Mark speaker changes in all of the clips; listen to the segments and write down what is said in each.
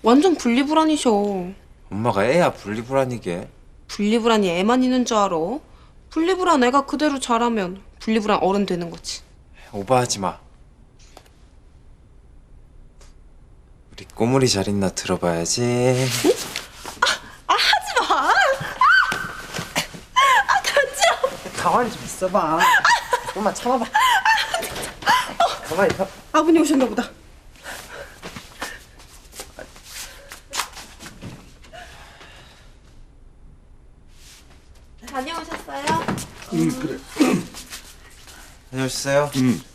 Speaker 1: 완전 분리불안이셔.
Speaker 2: 엄마가 애야 분리불안이게.
Speaker 1: 분리불안이 애만 있는 줄 알아? 분리불안 애가 그대로 자라면 분리불안 어른 되는 거지.
Speaker 2: 오버하지 마. 우리 꼬물이 잘 있나 들어봐야지.
Speaker 1: 하지 마! 간지러워.
Speaker 2: 가만히 좀 있어봐. 조금만 참아봐. 가만히 있어.
Speaker 1: 아버님 오셨나 보다. 다녀오셨어요?
Speaker 3: 그래.
Speaker 2: 다녀오셨어요?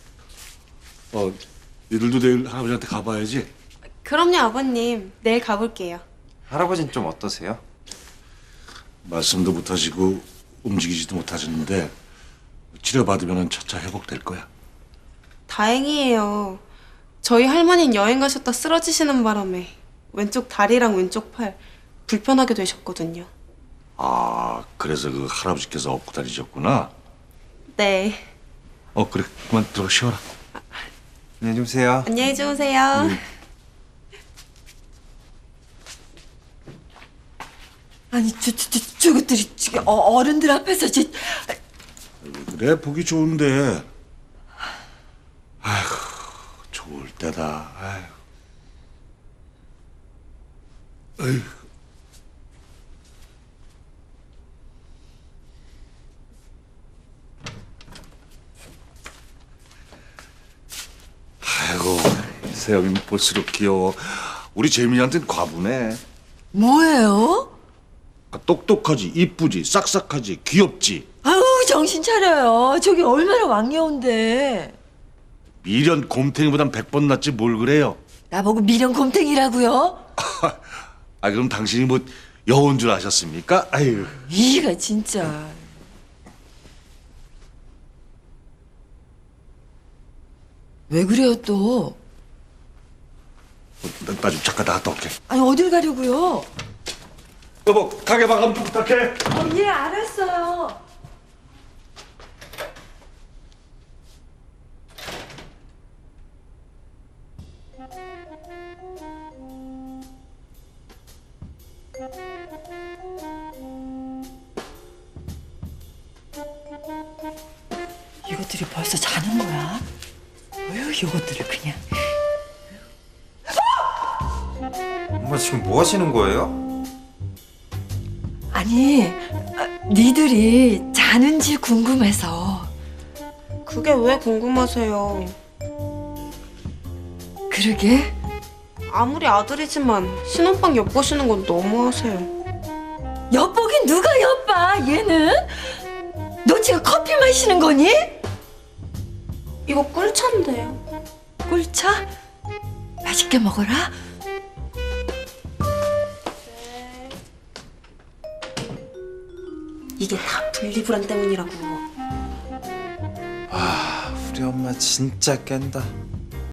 Speaker 3: 니들도 내일 할아버지한테 가봐야지.
Speaker 1: 그럼요, 아버님. 내일 가볼게요.
Speaker 2: 할아버지는 좀 어떠세요?
Speaker 3: 말씀도 못하시고 움직이지도 못하시는데 치료받으면 차차 회복될 거야.
Speaker 1: 다행이에요. 저희 할머니는 여행 가셨다 쓰러지시는 바람에 왼쪽 다리랑 왼쪽 팔 불편하게 되셨거든요.
Speaker 3: 아, 그래서 그 할아버지께서 업고 다니셨구나.
Speaker 1: 네.
Speaker 3: 그래. 그만 들어 쉬어라.
Speaker 2: 안녕히 주무세요.
Speaker 1: 안녕히 주무세요.
Speaker 4: 아니 저것들이 지금 어른들 앞에서
Speaker 3: 그래, 보기 좋은데. 아휴, 좋을 때다. 아휴. 아휴. 아이고, 세영이 볼수록 귀여워. 우리 재민이한테는 과부네.
Speaker 4: 뭐예요?
Speaker 3: 똑똑하지, 이쁘지, 싹싹하지, 귀엽지.
Speaker 4: 아우 정신 차려요. 저기 얼마나 왕여운데.
Speaker 3: 미련 곰탱이보단 100번 낫지 뭘 그래요.
Speaker 4: 나보고 미련 곰탱이라고요?
Speaker 3: 아, 그럼 당신이 뭐 여운 줄 아셨습니까? 아유.
Speaker 4: 이가 진짜. 왜 그래요 또?
Speaker 3: 나 좀 잠깐 나갔다 올게.
Speaker 4: 아니 어딜 가려고요?
Speaker 3: 여보, 가게 마감 좀 부탁해.
Speaker 4: 예 알았어요. 이것들이 벌써 자는 거야? 어휴 이것들을 그냥.
Speaker 2: 엄마 지금 뭐 하시는 거예요?
Speaker 4: 아니 니들이 자는지 궁금해서.
Speaker 1: 그게 왜 궁금하세요?
Speaker 4: 그러게.
Speaker 1: 아무리 아들이지만 신혼방 엿보시는 건 너무하세요.
Speaker 4: 엿보긴 누가 엿봐 얘는? 너 지금 커피 마시는 거니?
Speaker 1: 이거 꿀차인데요.
Speaker 4: 꿀차? 맛있게 먹어라.
Speaker 1: 이게 다 분리불안 때문이라고.
Speaker 2: 우리 엄마 진짜 깬다.